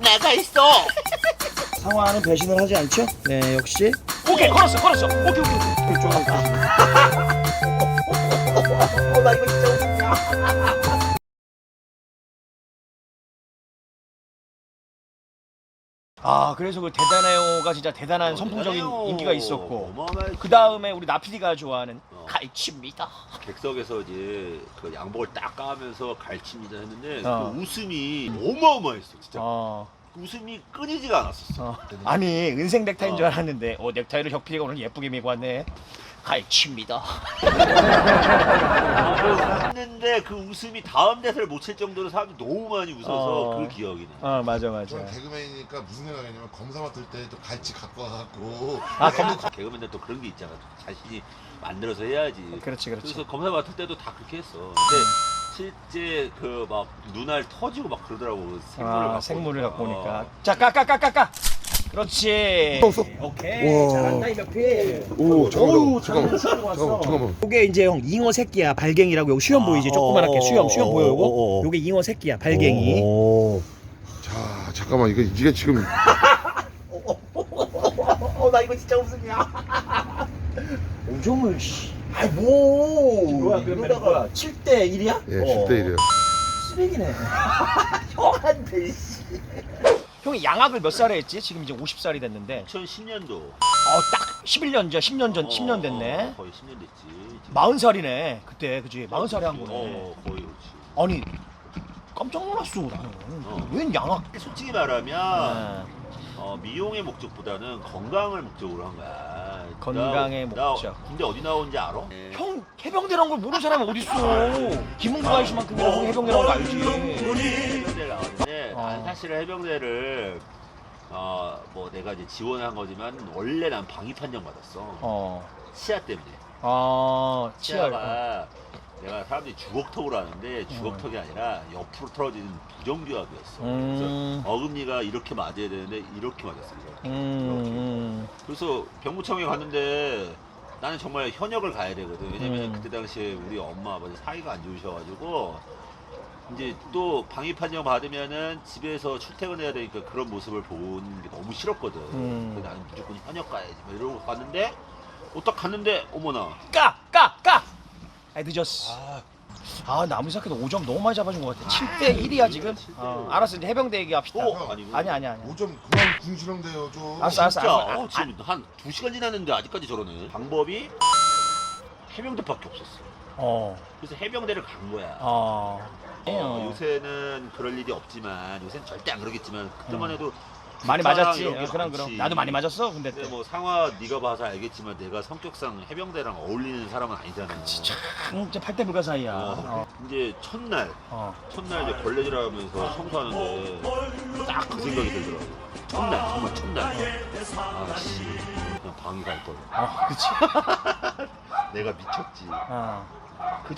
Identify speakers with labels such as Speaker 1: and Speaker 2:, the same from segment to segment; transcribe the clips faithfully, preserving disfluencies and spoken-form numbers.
Speaker 1: 내가 있어.
Speaker 2: 상화는 배신을 하지 않죠? 네, 역시.
Speaker 3: 오케이 걸었어 걸었어. 오케이 오케이 오케이.
Speaker 2: 좋아할까?
Speaker 1: 어, 나 이거 진짜 웃기냐.
Speaker 3: 아 그래서 그 대단해요가 진짜 대단한 선풍적인 인기가 있었고 그 다음에 우리 나피디가 좋아하는
Speaker 1: 어.
Speaker 3: 갈치입니다.
Speaker 1: 객석에서 이제 그 양복을 딱 까면서 갈칩니다 했는데
Speaker 3: 어.
Speaker 1: 그 웃음이 어마어마했어 진짜.
Speaker 3: 어,
Speaker 1: 그 웃음이 끊이지가 않았었어.
Speaker 3: 어. 아니 은색 넥타이인 줄
Speaker 1: 어.
Speaker 3: 알았는데 어 넥타이를 혁피디가 오늘 예쁘게 메고 왔네. 갈치입니다.
Speaker 1: 했는데 그 웃음이 다음 대사를 못 칠 정도로 사람들이 너무 많이 웃어서
Speaker 3: 어.
Speaker 1: 그 기억이 나.
Speaker 3: 어 맞아 맞아.
Speaker 4: 저는 개그맨이니까 무슨 생각이냐면 검사 맡을 때 또 갈치 갖고 와갖고
Speaker 3: 아 검.
Speaker 1: 개그맨들 또 그런 게 있잖아. 자신이 만들어서 해야지.
Speaker 3: 그렇지 그렇지.
Speaker 1: 그래서 검사 맡을 때도 다 그렇게 했어. 근데 실제 그 막 눈알 터지고 막 그러더라고. 생물을
Speaker 3: 아
Speaker 1: 갖고
Speaker 3: 생물을
Speaker 1: 오니까.
Speaker 3: 갖고 오니까.
Speaker 1: 어.
Speaker 3: 자 까까까까까. 그렇지.
Speaker 4: 떴어.
Speaker 3: 오케이
Speaker 4: 와.
Speaker 3: 잘한다 이 몇피.
Speaker 4: 오 잠깐만
Speaker 3: 잠깐만,
Speaker 4: 잠깐만
Speaker 3: 잠깐만,
Speaker 4: 잠깐만 잠깐만
Speaker 2: 요게 이제 형 잉어 새끼야, 발갱이라고. 요거 수염
Speaker 1: 아,
Speaker 2: 보이지?
Speaker 1: 어,
Speaker 2: 조그만하게
Speaker 1: 어,
Speaker 2: 수염, 수염
Speaker 1: 어,
Speaker 2: 보여
Speaker 1: 어,
Speaker 2: 요거?
Speaker 1: 어, 어.
Speaker 2: 요게 잉어 새끼야, 발갱이.
Speaker 1: 오.
Speaker 4: 자 잠깐만 이거 이게 지금
Speaker 1: 어, 나 이거 진짜 웃음이야.
Speaker 2: 오종을 씨.
Speaker 1: 아이 뭐.
Speaker 2: 뭐야, 그러면 뭐야? 칠 대 일이야?
Speaker 4: 예 십 대 일이에요
Speaker 2: 쓰레기네.
Speaker 1: 형한테 씨.
Speaker 3: 형이 양악을 몇 살에 했지? 지금 이제 오십 살이 됐는데.
Speaker 1: 이천십 년도.
Speaker 3: 어딱 십일 년 전, 십 년 전, 십 년 됐네.
Speaker 1: 거의 십 년 됐지.
Speaker 3: 마흔 살이네 그때 그지? 마흔 살에 한 거네.
Speaker 1: 어, 거의 그렇지.
Speaker 3: 아니 깜짝 놀랐어 나는.
Speaker 1: 어.
Speaker 3: 웬 양악?
Speaker 1: 솔직히 말하면
Speaker 3: 아,
Speaker 1: 어, 미용의 목적보다는 건강을 목적으로 한 거야.
Speaker 3: 건강의
Speaker 1: 나,
Speaker 3: 목적.
Speaker 1: 나 군대 어디 나온지 알아?
Speaker 3: 형 해병대란 걸 모르는 사람이 어딨어? 김웅구 아저씨만큼이나 형이 해병대라는 거 알지?
Speaker 1: 해병대를 나왔는데
Speaker 3: 어.
Speaker 1: 난 사실은 해병대를 어, 뭐 내가 이제 지원한 거지만 원래 난 방위 판정 받았어.
Speaker 3: 어,
Speaker 1: 치아 때문에.
Speaker 3: 아, 치열.
Speaker 1: 치아가 내가 사람들이 주걱턱으로 하는데 주걱턱이 아니라 옆으로 틀어지는 부정교합이었어.
Speaker 3: 음.
Speaker 1: 그래서 어금니가 이렇게 맞아야 되는데 이렇게 맞았어. 이렇게.
Speaker 3: 음,
Speaker 1: 그래서 병무청에 갔는데 나는 정말 현역을 가야 되거든. 왜냐면
Speaker 3: 음.
Speaker 1: 그때 당시에 우리 엄마 아버지 사이가 안 좋으셔가지고 이제 또 방위 판정 받으면은 집에서 출퇴근해야 되니까 그런 모습을 보는 게 너무 싫었거든.
Speaker 3: 음.
Speaker 1: 그래서 나는 무조건 현역 가야지. 막 이러고 갔는데 어, 딱 갔는데 어머나.
Speaker 3: 까, 까, 까. 아 늦었어. 아 나무 생각해도 오 점 너무 많이 잡아준 것 같아. 칠 대 일이야 지금.
Speaker 1: 칠 대 일.
Speaker 3: 어, 알았어 이제 해병대 얘기합시다.
Speaker 1: 어, 아니구나.
Speaker 3: 아니 아니 아니.
Speaker 4: 오 점 그만 궁시렁대요 좀
Speaker 3: 알았어, 알았어.
Speaker 1: 진짜
Speaker 3: 아,
Speaker 1: 어, 지금 한 두 시간 지났는데 아직까지 저러네. 방법이 해병대밖에 없었어.
Speaker 3: 어,
Speaker 1: 그래서 해병대를 간 거야.
Speaker 3: 어.
Speaker 1: 어, 요새는 그럴 일이 없지만 요새는 절대 안 그러겠지만 그때만 해도
Speaker 3: 많이
Speaker 1: 북한이랑
Speaker 3: 맞았지.
Speaker 1: 이런 게
Speaker 3: 어, 그럼
Speaker 1: 많지.
Speaker 3: 그럼. 나도 많이 맞았어. 근데
Speaker 1: 근데
Speaker 3: 때.
Speaker 1: 뭐 상화 네가 봐서 알겠지만 내가 성격상 해병대랑 어울리는 사람은 아니잖아.
Speaker 3: 진짜 진짜 팔대 불가 사이야.
Speaker 1: 어,
Speaker 3: 어.
Speaker 1: 이제 첫날
Speaker 3: 어.
Speaker 1: 첫날 이제 걸레질하면서 청소하는데 딱 그 생각이 들더라고. 첫날 정말 첫날. 아씨 그냥 방이 갈 걸.
Speaker 3: 어, 그치.
Speaker 1: 내가 미쳤지.
Speaker 3: 어.
Speaker 1: 그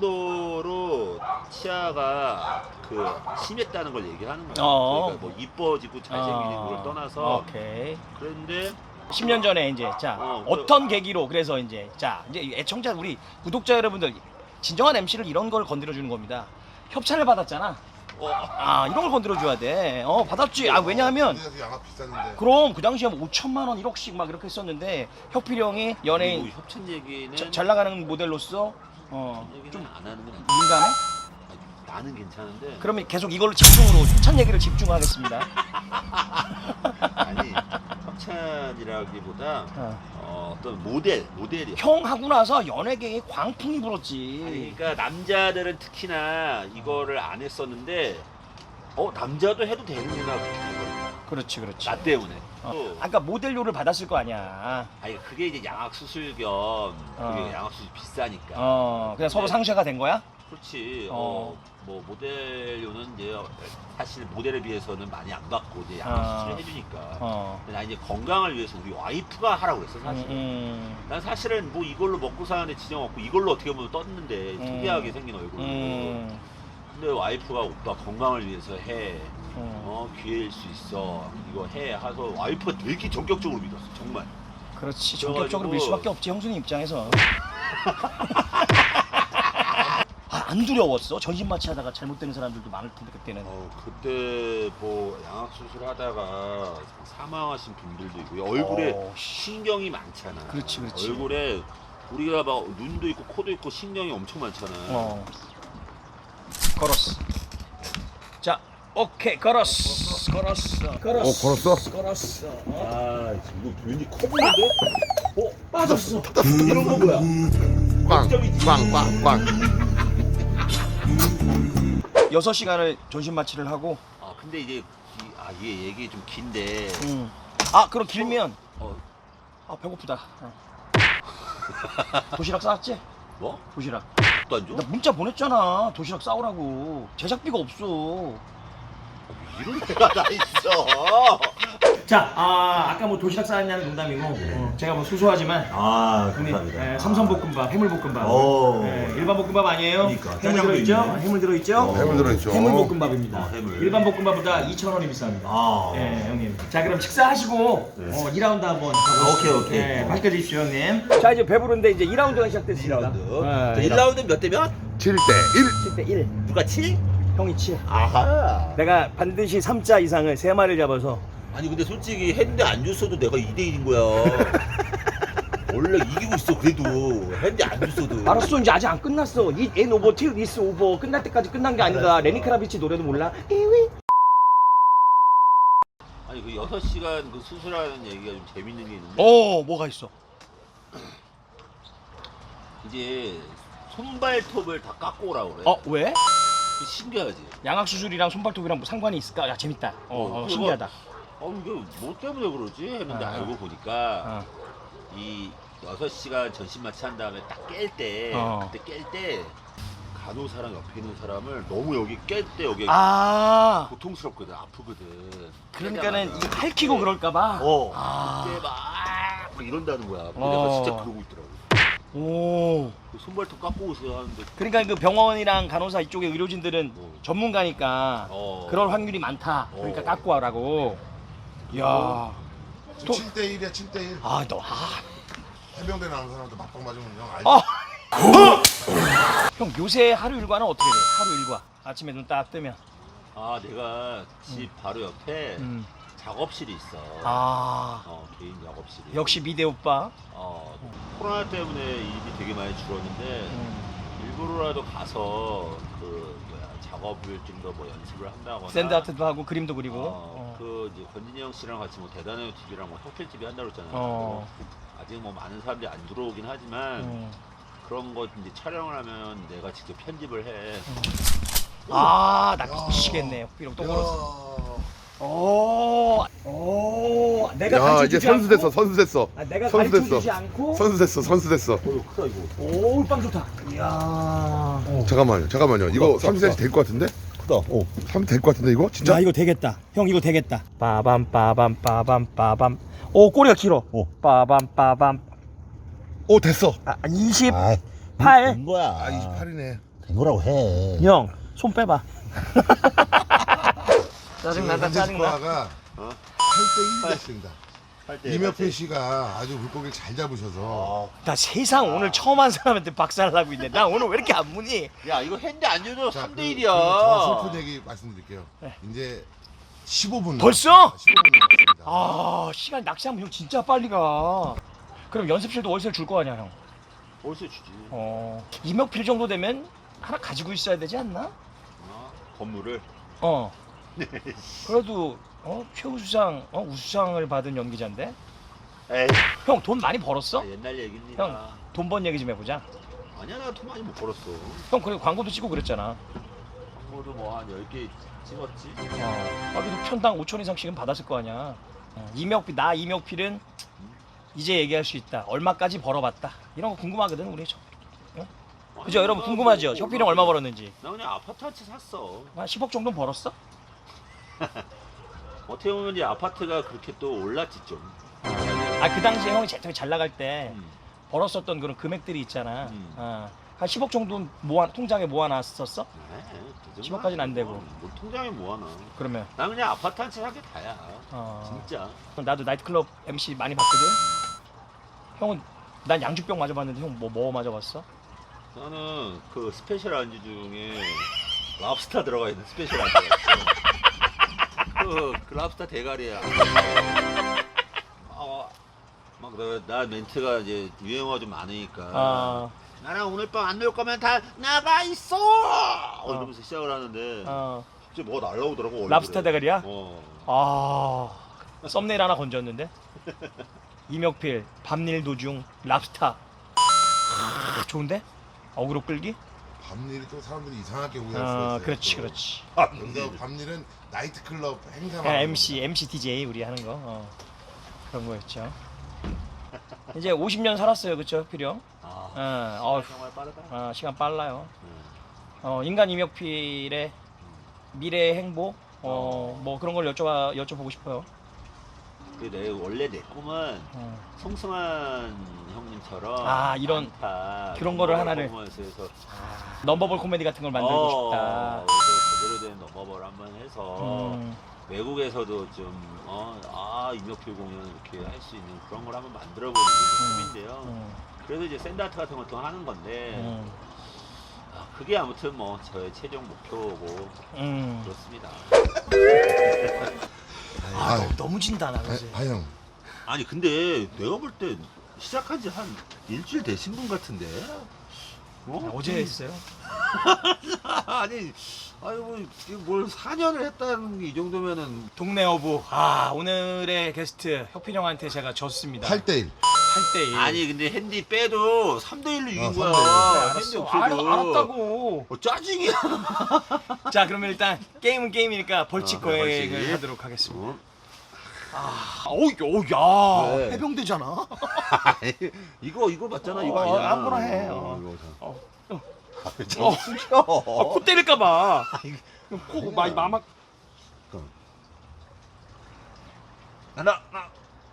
Speaker 1: 정도로 치아가 그 심했다는 걸 얘기하는 거야.
Speaker 3: 어.
Speaker 1: 그러니까 뭐 이뻐지고 잘생기는
Speaker 3: 어.
Speaker 1: 걸 떠나서
Speaker 3: 오케이.
Speaker 1: 그런데
Speaker 3: 십 년 전에 이제 자
Speaker 1: 어, 그-
Speaker 3: 어떤 계기로 그래서 이제 자 이제 애청자 우리 구독자 여러분들 진정한 엠씨를 이런 걸 건드려 주는 겁니다. 협찬을 받았잖아.
Speaker 1: 어,
Speaker 3: 아 이런 걸 건드려 줘야 돼. 어 받았지. 아 왜냐하면
Speaker 4: 군대에서 양압 비쌌는데
Speaker 3: 그럼 그 당시에 뭐 오천만 원, 일억씩 막 이렇게 했었는데 혁필이 형이
Speaker 1: 그리고
Speaker 3: 연예인
Speaker 1: 협찬 얘기는
Speaker 3: 자- 잘 나가는 모델로서 어
Speaker 1: 얘기는
Speaker 3: 좀
Speaker 1: 안 하는 건 아니야.
Speaker 3: 민감해?
Speaker 1: 나는 괜찮은데.
Speaker 3: 그러면 계속 이걸로 집중으로 협찬 얘기를 집중하겠습니다.
Speaker 1: 아니 협찬이라기보다
Speaker 3: 어.
Speaker 1: 어, 어떤 모델 모델이.
Speaker 3: 형 하고 나서 연예계에 광풍이 불었지.
Speaker 1: 아니, 그러니까 남자들은 특히나 이거를 안 했었는데 어 남자도 해도 되는구나 그렇게 된 거야.
Speaker 3: 그렇지 그렇지.
Speaker 1: 나 때문에.
Speaker 3: 어.
Speaker 1: 또
Speaker 3: 아까 그러니까 모델료를 받았을 거 아니야.
Speaker 1: 아니 그게 이제 양악 수술 겸 그게
Speaker 3: 어.
Speaker 1: 양악 수술 비싸니까.
Speaker 3: 어, 그냥 서로
Speaker 1: 네.
Speaker 3: 상쇄가 된 거야?
Speaker 1: 그렇지.
Speaker 3: 어.
Speaker 1: 어. 뭐 모델료는 이제 사실 모델에 비해서는 많이 안 받고 이제 양악
Speaker 3: 어.
Speaker 1: 수술 해주니까.
Speaker 3: 어.
Speaker 1: 근데 나 이제 건강을 위해서 우리 와이프가 하라고 그랬어
Speaker 3: 음,
Speaker 1: 사실.
Speaker 3: 음,
Speaker 1: 난 사실은 뭐 이걸로 먹고 사는데 지정 없고 이걸로 어떻게 보면 떴는데
Speaker 3: 음.
Speaker 1: 특이하게 생긴 얼굴로.
Speaker 3: 음,
Speaker 1: 근데 와이프가 오빠 건강을 위해서 해.
Speaker 3: 음.
Speaker 1: 어 기회일 수 있어. 이거 해. 해서 와이프가 되게 전격적으로 믿었어. 정말.
Speaker 3: 그렇지.
Speaker 1: 그래가지고-
Speaker 3: 전격적으로 밀 수밖에 없지 형수님 입장에서. 아, 안 두려웠어? 전신 마취하다가 잘못되는 사람들도 많을 텐데 그때는.
Speaker 1: 어, 그때 뭐 양악 수술하다가 사망하신 분들도 있고요. 얼굴에
Speaker 3: 어, 씨.
Speaker 1: 신경이 많잖아.
Speaker 3: 그렇지, 그렇지.
Speaker 1: 얼굴에 우리가 막 눈도 있고 코도 있고 신경이 엄청 많잖아.
Speaker 3: 어. 걸었어. 자, 오케이, 걸었어. 걸었어. 걸었어.
Speaker 4: 어, 걸었어?
Speaker 3: 걸었어.
Speaker 1: 아, 이거 왠지 커 보이는데?
Speaker 3: 어, 빠졌어.
Speaker 1: 이런 거 뭐야?
Speaker 4: 빵, 빵, 빵, 빵.
Speaker 3: 여섯 시간을 전신 마취를 하고.
Speaker 1: 아, 근데 이제 이, 아, 이게 얘기 좀 긴데.
Speaker 3: 음. 아, 그럼 길면.
Speaker 1: 어,
Speaker 3: 아, 배고프다. 어. 도시락 싸왔지?
Speaker 1: 뭐?
Speaker 3: 도시락.
Speaker 1: 또 안 줘?
Speaker 3: 나 문자 보냈잖아. 도시락 싸오라고. 제작비가 없어.
Speaker 1: 이런 데가 다 있어.
Speaker 3: 자, 아, 아까 뭐 도시락 싸왔냐는 농담이고, 어, 제가 뭐 수소하지만,
Speaker 2: 아,
Speaker 3: 형님,
Speaker 2: 감사합니다.
Speaker 3: 예, 삼선볶음밥, 해물볶음밥.
Speaker 2: 오.
Speaker 3: 예, 일반 볶음밥 아니에요?
Speaker 2: 그러니까,
Speaker 3: 해물
Speaker 2: 짜장도
Speaker 3: 들어있죠?
Speaker 2: 있네.
Speaker 3: 해물 들어있죠?
Speaker 4: 해물 들어있죠.
Speaker 3: 해물볶음밥입니다.
Speaker 2: 어, 해물.
Speaker 3: 일반 볶음밥보다 이천 원이 비쌉니다.
Speaker 2: 아.
Speaker 3: 예, 형님. 자, 그럼 식사하시고,
Speaker 2: 네.
Speaker 3: 어, 이 라운드 한번.
Speaker 2: 아, 오케이, 오케이.
Speaker 3: 예, 맛있게 드십시오, 형님. 자, 이제 배부른데 이제 이 라운드가 시작됐습니다.
Speaker 1: 이 라운드.
Speaker 3: 예,
Speaker 1: 자, 일 라운드 몇 대 몇?
Speaker 4: 칠 대 일.
Speaker 3: 칠 대 일.
Speaker 1: 누가 칠?
Speaker 3: 형이 칠.
Speaker 1: 아하.
Speaker 3: 내가 반드시 삼 자 이상을 세 마리를 잡아서.
Speaker 1: 아니 근데 솔직히 했는데 안 줬어도 내가 이 대 일인 거야. 원래 이기고 있어 그래도 했는데 안 줬어도.
Speaker 3: 알았어, 이제 아직 안 끝났어. 이 엔 오버 틸 이스 오버 끝날 때까지 끝난 게 아닌가.
Speaker 1: 알았어.
Speaker 3: 레니 크라비치 노래도 몰라? 이위.
Speaker 1: 아니 그 여섯 시간 그 수술하는 얘기가 좀 재밌는 게 있는데
Speaker 3: 어, 뭐가 있어?
Speaker 1: 이제 손발톱을 다 깎고 오라고 그래.
Speaker 3: 어, 왜?
Speaker 1: 그거 신기하지.
Speaker 3: 양악 수술이랑 손발톱이랑 뭐 상관이 있을까? 야, 재밌다. 어,
Speaker 1: 어,
Speaker 3: 어,
Speaker 1: 그거-
Speaker 3: 신기하다.
Speaker 1: 어 이게 뭐 때문에 그러지 했는데
Speaker 3: 아.
Speaker 1: 알고 보니까
Speaker 3: 어.
Speaker 1: 이 여섯 시간 전신 마취한 다음에 딱 깰 때
Speaker 3: 어.
Speaker 1: 그때 깰 때 간호사랑 옆에 있는 사람을 너무 여기 깰 때 여기
Speaker 3: 아,
Speaker 1: 고통스럽거든 아프거든.
Speaker 3: 그러니까는
Speaker 1: 깨자마자.
Speaker 3: 이거 핥히고 그럴까봐.
Speaker 1: 어.
Speaker 3: 아.
Speaker 1: 그때 막, 막 이런다는 거야. 근데
Speaker 3: 어.
Speaker 1: 내가 진짜 그러고 있더라고.
Speaker 3: 오.
Speaker 1: 그 손발톱 깎고 오세요 하는데.
Speaker 3: 그러니까 그 병원이랑 간호사 이쪽의 의료진들은
Speaker 1: 어.
Speaker 3: 전문가니까
Speaker 1: 어.
Speaker 3: 그럴 확률이 많다. 그러니까
Speaker 1: 어.
Speaker 3: 깎고 와라고. 이야. 또-
Speaker 4: 칠 대 일이야, 칠 대 일.
Speaker 3: 아, 너, 아.
Speaker 4: 해병대 나온 사람한테 맞방 맞으면 형 알지?
Speaker 3: 아. 형, 요새 하루 일과는 어떻게 돼? 하루 일과. 아침에 눈 딱 뜨면.
Speaker 1: 아 내가 집 바로 옆에
Speaker 3: 음.
Speaker 1: 작업실이 있어.
Speaker 3: 아.
Speaker 1: 어 개인 작업실이.
Speaker 3: 역시 미대 오빠.
Speaker 1: 어 코로나 때문에 일이 되게 많이 줄었는데
Speaker 3: 음.
Speaker 1: 일부러라도 가서 그 뭐야 작업을 좀 더 뭐 연습을 한다거나.
Speaker 3: 샌드아트도 하고 그림도 그리고.
Speaker 1: 어,
Speaker 3: 어.
Speaker 1: 그 이제 권진이 형 씨랑 같이 뭐 대단해요 티비랑 뭐 혁필 티비 한다고 했잖아요.
Speaker 3: 어.
Speaker 1: 아직 뭐 많은 사람들이 안 들어오긴 하지만
Speaker 3: 음.
Speaker 1: 그런 거 이제 촬영을 하면 내가 직접 편집을 해.
Speaker 3: 아, 나
Speaker 4: 야.
Speaker 3: 미치겠네. 비록 또 걸었어.
Speaker 4: 야,
Speaker 3: 오, 오, 내가
Speaker 4: 야
Speaker 3: 가르쳐
Speaker 4: 이제
Speaker 3: 주지
Speaker 4: 선수 됐어,
Speaker 3: 않고,
Speaker 4: 선수 됐어.
Speaker 3: 아, 내가
Speaker 4: 선수
Speaker 3: 가르쳐
Speaker 4: 됐어.
Speaker 3: 주지 않고.
Speaker 4: 선수 됐어, 선수 됐어.
Speaker 1: 어 이거 크다 이거.
Speaker 3: 오, 빵 좋다. 이야.
Speaker 4: 잠깐만요, 잠깐만요. 이거 삼 센티미터 될 것 같은데?
Speaker 1: 크다. 어.
Speaker 4: 삼 될 것 같은데 이거? 진짜?
Speaker 3: 야, 이거 되겠다. 형, 이거 되겠다. 빠밤, 빠밤, 빠밤, 빠밤. 오, 꼬리가 길어.
Speaker 1: 어.
Speaker 3: 빠밤, 빠밤.
Speaker 4: 오 됐어.
Speaker 3: 아, 이십팔.
Speaker 1: 된 거야.
Speaker 4: 아 이십팔이네.
Speaker 1: 된 거라고 해.
Speaker 3: 형, 손 빼봐. 짜증난다, 짜증나.
Speaker 4: 스코어가
Speaker 1: 어?
Speaker 4: 팔 대 일 됐습니다.
Speaker 1: 할 때.
Speaker 4: 이명필 씨가 아주 물고기를 잘 잡으셔서
Speaker 3: 나 세상 오늘 처음 한 사람한테 박살나고 있네. 나 오늘 왜 이렇게 안 무니?
Speaker 1: 야 이거 했는데 안 줘도
Speaker 4: 자,
Speaker 1: 삼 대
Speaker 4: 그-
Speaker 1: 일이야.
Speaker 4: 그 저 슬픈 얘기 말씀드릴게요.
Speaker 3: 네.
Speaker 4: 이제 십오 분
Speaker 3: 벌써?
Speaker 4: 십오 분 남았습니다.
Speaker 3: 아, 시간 낚시하면 형 진짜 빨리 가. 그럼 연습실도 월세를 줄 거 아니야, 형?
Speaker 1: 월세 주지.
Speaker 3: 어. 이명필 정도 되면 하나 가지고 있어야 되지 않나?
Speaker 1: 어? 건물을.
Speaker 3: 어. 그래도 어 최우수상 어 우수상을 받은 연기자인데.
Speaker 1: 에이.
Speaker 3: 형 돈 많이 벌었어?
Speaker 1: 아, 옛날 얘기입니다.
Speaker 3: 형. 돈 번 얘기 좀 해보자.
Speaker 1: 아니야 나 돈 많이 못 벌었어.
Speaker 3: 형 그리고 광고도 찍고 그랬잖아.
Speaker 1: 광고도 뭐 한 열 개 찍었지.
Speaker 3: 어. 아, 그래도 편당 오천 이상씩은 받았을 거 아니야. 어. 이명필 나 이명필은 이제 얘기할 수 있다. 얼마까지 벌어봤다. 이런 거 궁금하거든 우리. 저. 그죠? 여러분 궁금하죠? 혁필이 형 얼마 벌었는지.
Speaker 1: 나 그냥 아파트 한 채 샀어.
Speaker 3: 한 십억 정도 벌었어?
Speaker 1: 어떻게 보면 이제 아파트가 그렇게 또 올랐지 좀.
Speaker 3: 아, 그 당시에 형이 제일 잘 나갈 때
Speaker 1: 음.
Speaker 3: 벌었었던 그런 금액들이 있잖아.
Speaker 1: 음.
Speaker 3: 어. 한 십억 정도 모아 통장에 모아놨었어?
Speaker 1: 네, 그 정도는
Speaker 3: 십억까지는 안 되고.
Speaker 1: 뭐 통장에 뭐하나.
Speaker 3: 그러면
Speaker 1: 난 그냥 아파트 한 채 산 게 다야.
Speaker 3: 어.
Speaker 1: 진짜.
Speaker 3: 나도 나이트클럽 엠씨 많이 봤거든. 형은 난 양주병 맞아봤는데 형 뭐 뭐 맞아봤어?
Speaker 1: 나는 그 스페셜 안주 중에 랍스타 들어가 있는 스페셜 안주가 있어. 그, 그 랍스타 대가리야. 어, 막 나, 나 멘트가 이제 유행어가 좀 많으니까.
Speaker 3: 아,
Speaker 1: 나랑 오늘 밤 안 놀 거면 다 나가 있어. 어, 이러면서 시작을 하는데
Speaker 3: 어.
Speaker 1: 갑자기 뭐가 날라오더라고. 얼굴에.
Speaker 3: 랍스타 대가리야?
Speaker 1: 어.
Speaker 3: 아, 썸네일 하나 건졌는데. 이명필 밤일 도중 랍스타. 아, 좋은데? 어그로 끌기?
Speaker 4: 밤일이 또 사람들이 이상하게 오해할 수가
Speaker 3: 아,
Speaker 4: 있어요.
Speaker 3: 그렇지,
Speaker 4: 또.
Speaker 3: 그렇지.
Speaker 4: 여기서 밤일은 나이트클럽 행사.
Speaker 3: 그냥 엠씨, 엠씨 디제이 우리 하는 거. 어. 그런 거였죠. 이제 오십 년 살았어요, 그쵸, 필요?
Speaker 1: 아,
Speaker 3: 어, 어,
Speaker 1: 정말 빠르다.
Speaker 3: 아, 시간 빨라요.
Speaker 1: 음.
Speaker 3: 어, 인간 이명필의 미래의 행복, 어, 뭐 그런 걸 여쭤봐, 여쭤보고 싶어요.
Speaker 1: 그 내 원래 내 꿈은
Speaker 3: 어.
Speaker 1: 송승환 형님처럼
Speaker 3: 아, 이런
Speaker 1: 안타,
Speaker 3: 그런 거를
Speaker 1: 넘버볼
Speaker 3: 하나를.
Speaker 1: 퍼포먼스에서
Speaker 3: 넘버볼 코미디 같은 걸 만들고
Speaker 1: 어,
Speaker 3: 싶다.
Speaker 1: 그래서 제대로 된 넘버볼 한번 해서
Speaker 3: 음,
Speaker 1: 외국에서도 좀 어, 아 이명필 공연 이렇게 할 수 있는 그런 걸 한번 만들어보는 게 꿈인데요.
Speaker 3: 음,
Speaker 1: 그래서 이제 샌드아트 같은 것도 하는 건데
Speaker 3: 음,
Speaker 1: 아, 그게 아무튼 뭐 저의 최종 목표고
Speaker 3: 음.
Speaker 1: 그렇습니다.
Speaker 3: 아,
Speaker 4: 아,
Speaker 3: 너무, 너무 진다, 나 그지?
Speaker 4: 아, 형.
Speaker 1: 아니 근데 내가 볼 때 시작한 지 한 일주일 되신 분 같은데? 어?
Speaker 3: 어제 했어요.
Speaker 1: 아니, 아니 뭐뭘 사 년을 했다는 게 이 정도면은
Speaker 3: 동네 어부. 아, 오늘의 게스트 혁필 형한테 제가 졌습니다.
Speaker 4: 팔 대 일.
Speaker 3: 팔 대 일.
Speaker 1: 아니 근데 핸디 빼도 삼 대 일로 이긴
Speaker 4: 어,
Speaker 1: 거야.
Speaker 4: 삼 대 일.
Speaker 1: 핸디
Speaker 3: 알았어. 알,
Speaker 1: 없어도.
Speaker 3: 알았다고.
Speaker 1: 어, 짜증이야.
Speaker 3: 자, 그러면 일단 게임은 게임이니까 벌칙
Speaker 1: 어, 그래,
Speaker 3: 거행을
Speaker 1: 벌칙.
Speaker 3: 하도록 하겠습니다.
Speaker 1: 어?
Speaker 3: 아, 어우, 야,
Speaker 1: 왜?
Speaker 3: 해병대잖아.
Speaker 1: 이거 이거 맞잖아. 이거
Speaker 3: 어,
Speaker 1: 아니야.
Speaker 3: 아무거나 해. 어.
Speaker 1: 이거 자.
Speaker 3: 어, 어.
Speaker 1: 어, 숨겨.
Speaker 3: 아, 코 때릴까봐. 코 많이 마막.
Speaker 1: 하나, 하나.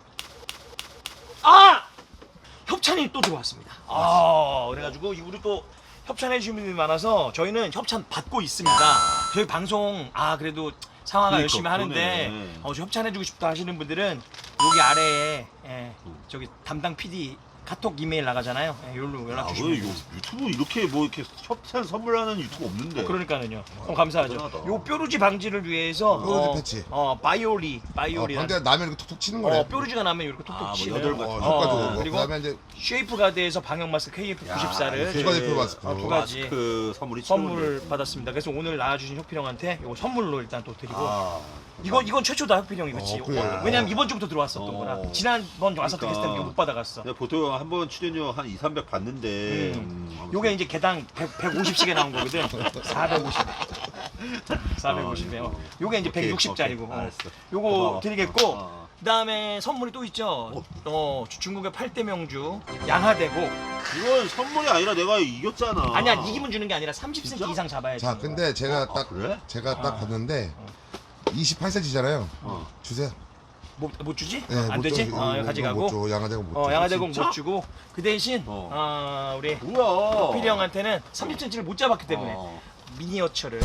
Speaker 3: 아! 협찬이 또 들어왔습니다. 아, 그래가지고 우리 또 협찬해 주신 분들이 많아서 저희는 협찬 받고 있습니다. 저희 방송 아 그래도 상황을
Speaker 1: 그러니까,
Speaker 3: 열심히 하는데
Speaker 1: 그러네.
Speaker 3: 어, 저 협찬해주고 싶다 하시는 분들은 여기 아래에 예,
Speaker 1: 음.
Speaker 3: 저기 담당 피디 카톡 이메일 나가잖아요. 예, 여기로 연락
Speaker 1: 아, 왜
Speaker 3: 주시면
Speaker 1: 요-
Speaker 3: 돼요.
Speaker 1: 유튜브 이렇게 뭐 이렇게 협찬 선물하는 유튜브 없는데.
Speaker 3: 어, 그러니까는요. 어, 감사하죠.
Speaker 1: 대단하다.
Speaker 3: 요 뾰루지 방지를 위해서
Speaker 4: 뾰루지
Speaker 3: 어,
Speaker 4: 패치.
Speaker 3: 어 바이오리
Speaker 4: 어,
Speaker 3: 바이오리
Speaker 4: 방대 나면 이렇게 톡톡 치는 거네.
Speaker 3: 어 뾰루지가 나면 이렇게 톡톡
Speaker 1: 아, 뭐
Speaker 3: 치는
Speaker 1: 여덟
Speaker 4: 어,
Speaker 1: 번.
Speaker 4: 효과적으로.
Speaker 3: 어, 그리고
Speaker 4: 그다음에 이제
Speaker 3: 쉐이프 가드에서 방역 마스크 케이에프 구십사를
Speaker 4: 두 가지 표 마스크.
Speaker 3: 어, 두 가지
Speaker 1: 그 선물이
Speaker 3: 선물을 받았습니다. 그래서 오늘 나와주신 혁필 형한테 이거 선물로 일단 또 드리고
Speaker 1: 아,
Speaker 3: 이건 이건 최초다 혁필 형이 그렇지.
Speaker 4: 어, 그래.
Speaker 3: 왜냐면 이번 주부터 들어왔었던
Speaker 1: 어.
Speaker 3: 거라. 지난번 왔었던
Speaker 1: 그러니까.
Speaker 3: 게스트는 이거 못 받아갔어.
Speaker 1: 내가 보통 한 번 출연료 한 이, 삼백 받는데.
Speaker 3: 음.
Speaker 1: 음, 아무튼.
Speaker 3: 요게 이제 개당 백, 백오십씩에 나온 거거든. 사백오십. 사백오십에.
Speaker 1: 어,
Speaker 3: 요게 이제
Speaker 1: 오케이,
Speaker 3: 백육십짜리고.
Speaker 1: 오케이, 알았어.
Speaker 3: 요거
Speaker 1: 고마워.
Speaker 3: 드리겠고.
Speaker 1: 어, 어.
Speaker 3: 그다음에 선물이 또 있죠. 어, 중국의 팔 대 명주 양하대곡.
Speaker 1: 이건 선물이 아니라 내가 이겼잖아.
Speaker 3: 아니야, 이기면 주는 게 아니라 삼십 센티미터
Speaker 1: 진짜?
Speaker 3: 이상 잡아야지.
Speaker 4: 자, 근데 제가
Speaker 1: 아,
Speaker 4: 딱
Speaker 1: 그래?
Speaker 4: 제가 딱
Speaker 3: 아.
Speaker 4: 봤는데 이십팔 센티미터잖아요.
Speaker 1: 어.
Speaker 4: 주세요.
Speaker 3: 못, 못 주지?
Speaker 4: 네,
Speaker 3: 안
Speaker 4: 못
Speaker 3: 되지?
Speaker 4: 줘.
Speaker 3: 어,
Speaker 4: 이거
Speaker 3: 가져가고.
Speaker 4: 못 줘. 양아대고 못
Speaker 3: 어,
Speaker 4: 줘.
Speaker 3: 양하대곡
Speaker 1: 진짜?
Speaker 3: 못 주고 그 대신
Speaker 1: 어.
Speaker 3: 어, 우리
Speaker 1: 뭐야?
Speaker 3: 필이 형한테는 삼십 센티미터를 못 잡았기 때문에
Speaker 1: 어.
Speaker 3: 미니어처를.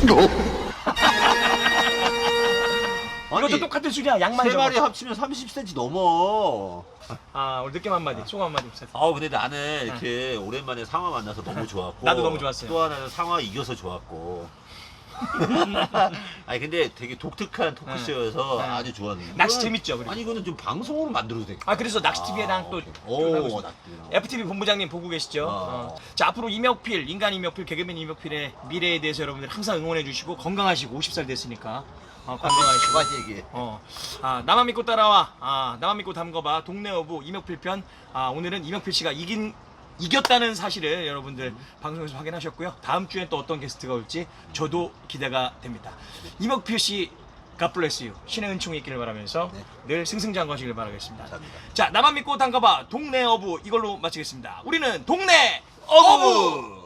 Speaker 1: 아니,
Speaker 3: 이것도 똑같은 수리야. 양만
Speaker 1: 세
Speaker 3: 적어.
Speaker 1: 마리 합치면 삼십 센티미터 넘어.
Speaker 3: 아, 오늘 느낌 한마디, 소감 한마디 부탁.
Speaker 1: 아 근데 나는 이렇게 오랜만에 상화 만나서 너무 좋았고
Speaker 3: 나도 너무 좋았어요.
Speaker 1: 또 하나는 상화 이겨서 좋았고 아니 근데 되게 독특한 토크쇼여서
Speaker 3: 네.
Speaker 1: 아주 좋았는데
Speaker 3: 낚시
Speaker 1: 이거는-
Speaker 3: 재밌죠, 그리고.
Speaker 1: 아니 이거는 좀 방송으로 만들어도 돼.
Speaker 3: 아, 그래서 낚시티비에랑 또
Speaker 1: 오
Speaker 3: 하고 있습니다.
Speaker 1: 낚시.
Speaker 3: 에프티비 본부장님 보고 계시죠?
Speaker 1: 어.
Speaker 3: 어. 자, 앞으로 이명필, 인간 이명필, 개그맨 이명필의 미래에 대해서 여러분들 항상 응원해 주시고 건강하시고 오십 살 됐으니까 어, 건강하시고.
Speaker 1: 그만 얘기해.
Speaker 3: 어, 아, 나만 믿고 따라와. 아, 나만 믿고 담궈봐. 동네 어부 이명필 편. 아, 오늘은 이명필 씨가 이긴 이겼다는 사실을 여러분들 방송에서 확인하셨고요. 다음 주엔 또 어떤 게스트가 올지 저도 기대가 됩니다. 이명필 씨, God bless you. 신의 은총이 있기를 바라면서
Speaker 1: 네.
Speaker 3: 늘 승승장구하시길 바라겠습니다.
Speaker 1: 감사합니다.
Speaker 3: 자, 나만 믿고 담가봐. 동네 어부 이걸로 마치겠습니다. 우리는 동네 어부.